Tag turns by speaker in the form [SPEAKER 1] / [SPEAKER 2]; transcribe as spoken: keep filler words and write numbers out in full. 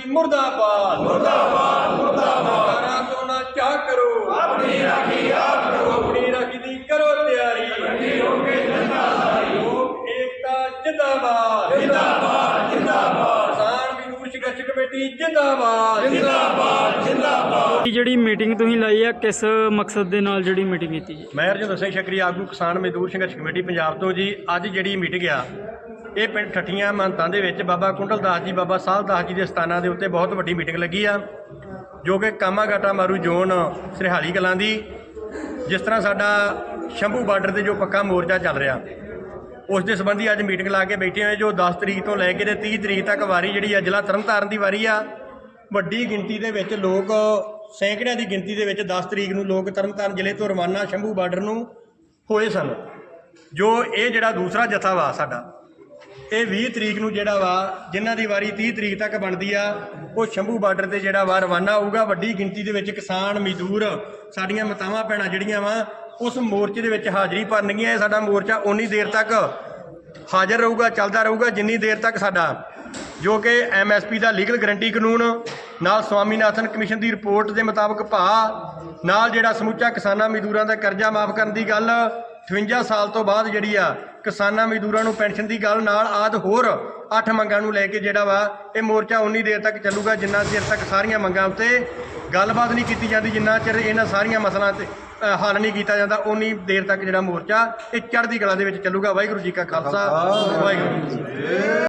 [SPEAKER 1] मुर्दाबाद मुर्दाबाद मुर्दाबाद तो ना क्या करो अपनी राखी आप करो अपनी राखी दी करो तैयारी लोक एकता जिंदाबाद जिंदाबाद जिंदाबाद किसान मजदूर संघर्ष कमेटी जिंदाबाद जिंदाबाद जिंदाबाद।
[SPEAKER 2] ਜਿਹੜੀ ਮੀਟਿੰਗ ਤੁਸੀਂ ਲਾਈ ਆ ਕਿਸ ਮਕਸਦ ਦੇ ਨਾਲ ਜਿਹੜੀ ਮੀਟਿੰਗ ਕੀਤੀ ਜੀ?
[SPEAKER 1] ਮੈਂ ਰਜਿੰਦਰ ਸਿੰਘ ਸ਼ਕਰੀ ਆਗੂ ਕਿਸਾਨ ਮਜ਼ਦੂਰ ਸੰਘਰਸ਼ ਕਮੇਟੀ ਪੰਜਾਬ ਤੋਂ ਜੀ। ਅੱਜ ਜਿਹੜੀ ਮੀਟਿੰਗ ਆ ਇਹ ਪਿੰਡ ਠੱਠੀਆਂ ਮਹੰਤਾਂ ਦੇ ਵਿੱਚ ਬਾਬਾ ਕੁੰਡਲ ਦਾਸ ਜੀ ਬਾਬਾ ਸਾਹਿਬ ਦਾਸ ਜੀ ਦੇ ਸਥਾਨਾਂ ਦੇ ਉੱਤੇ ਬਹੁਤ ਵੱਡੀ ਮੀਟਿੰਗ ਲੱਗੀ ਆ, ਜੋ ਕਿ ਕਾਮਾਗਾਟਾ ਮਾਰੂ ਜ਼ੋਨ ਸਰਹਾਲੀ ਕਲਾਂ ਦੀ। ਜਿਸ ਤਰ੍ਹਾਂ ਸਾਡਾ ਸ਼ੰਭੂ ਬਾਰਡਰ ਤੇ ਜੋ ਪੱਕਾ ਮੋਰਚਾ ਚੱਲ ਰਿਹਾ ਉਸ ਦੇ ਸੰਬੰਧੀ ਅੱਜ ਮੀਟਿੰਗ ਲਾ ਕੇ ਬੈਠੇ ਹੋਏ, ਜੋ ਦਸ ਤਰੀਕ ਤੋਂ ਲੈ ਕੇ ਤੇ ਤੀਹ ਤਰੀਕ ਤੱਕ ਵਾਰੀ ਜਿਹੜੀ ਆ ਜ਼ਿਲ੍ਹਾ ਤਰਨਤਾਰਨ ਦੀ ਵਾਰੀ ਆ। ਵੱਡੀ ਗਿਣਤੀ ਦੇ ਵਿੱਚ ਲੋਕ, ਸੈਂਕੜਿਆਂ ਦੀ ਗਿਣਤੀ ਦੇ ਵਿੱਚ ਦਸ ਤਰੀਕ ਨੂੰ ਲੋਕ ਤਰਨਤਾਰਨ ਜ਼ਿਲ੍ਹੇ ਤੋਂ ਰਵਾਨਾ ਸ਼ੰਭੂ ਬਾਰਡਰ ਨੂੰ ਹੋਏ ਸਨ। ਜੋ ਇਹ ਜਿਹੜਾ ਦੂਸਰਾ ਜਥਾ ਵਾ ਸਾਡਾ ਇਹ ਵੀਹ ਤਰੀਕ ਨੂੰ ਜਿਹੜਾ ਵਾ, ਜਿਨ੍ਹਾਂ ਦੀ ਵਾਰੀ ਤੀਹ ਤਰੀਕ ਤੱਕ ਬਣਦੀ ਆ, ਉਹ ਸ਼ੰਭੂ ਬਾਰਡਰ ਤੇ ਜਿਹੜਾ ਵਾ ਰਵਾਨਾ ਹੋਊਗਾ। ਵੱਡੀ ਗਿਣਤੀ ਦੇ ਵਿੱਚ ਕਿਸਾਨ ਮਜ਼ਦੂਰ ਸਾਡੀਆਂ ਮਾਤਾਵਾਂ ਭੈਣਾਂ ਜਿਹੜੀਆਂ ਵਾ ਉਸ ਮੋਰਚੇ ਦੇ ਵਿੱਚ ਹਾਜ਼ਰੀ ਭਰਨਗੀਆਂ। ਇਹ ਸਾਡਾ ਮੋਰਚਾ ਉਨੀ ਦੇਰ ਤੱਕ ਹਾਜ਼ਰ ਰਹੂਗਾ, ਚੱਲਦਾ ਰਹੂਗਾ ਜਿੰਨੀ ਦੇਰ ਤੱਕ ਸਾਡਾ ਜੋ ਕਿ ਐਮ ਐਸ ਪੀ ਦਾ ਲੀਗਲ ਗਰੰਟੀ ਕਾਨੂੰਨ ਨਾਲ ਸਵਾਮੀਨਾਥਨ ਕਮਿਸ਼ਨ ਦੀ ਰਿਪੋਰਟ ਦੇ ਮੁਤਾਬਕ ਭਾਅ ਨਾਲ ਜਿਹੜਾ ਸਮੁੱਚਾ ਕਿਸਾਨਾਂ ਮਜ਼ਦੂਰਾਂ ਦਾ ਕਰਜ਼ਾ ਮਾਫ ਕਰਨ ਦੀ ਗੱਲ, ਅਠਵੰਜਾ ਸਾਲ ਤੋਂ ਬਾਅਦ ਜਿਹੜੀ ਆ ਕਿਸਾਨਾਂ ਮਜ਼ਦੂਰਾਂ ਨੂੰ ਪੈਨਸ਼ਨ ਦੀ ਗੱਲ ਨਾਲ ਆਦਿ ਹੋਰ ਅੱਠ ਮੰਗਾਂ ਨੂੰ ਲੈ ਕੇ ਜਿਹੜਾ ਵਾ ਇਹ ਮੋਰਚਾ ਉਨੀ ਦੇਰ ਤੱਕ ਚੱਲੂਗਾ ਜਿੰਨਾ ਚਿਰ ਤੱਕ ਸਾਰੀਆਂ ਮੰਗਾਂ ਉੱਤੇ ਗੱਲਬਾਤ ਨਹੀਂ ਕੀਤੀ ਜਾਂਦੀ, ਜਿੰਨਾ ਚਿਰ ਇਹਨਾਂ ਸਾਰੀਆਂ ਮਸਲਾਂ ਤੇ ਹੱਲ ਨਹੀਂ ਕੀਤਾ ਜਾਂਦਾ ਉਨੀ ਦੇਰ ਤੱਕ ਜਿਹੜਾ ਮੋਰਚਾ ਇਹ ਚੜ੍ਹਦੀ ਕਲਾ ਦੇ ਵਿੱਚ ਚੱਲੂਗਾ। ਵਾਹਿਗੁਰੂ ਜੀ ਕਾ ਖਾਲਸਾ ਵਾਹਿਗੁਰੂ ਜੀ ਕੀ ਫਤਿਹ।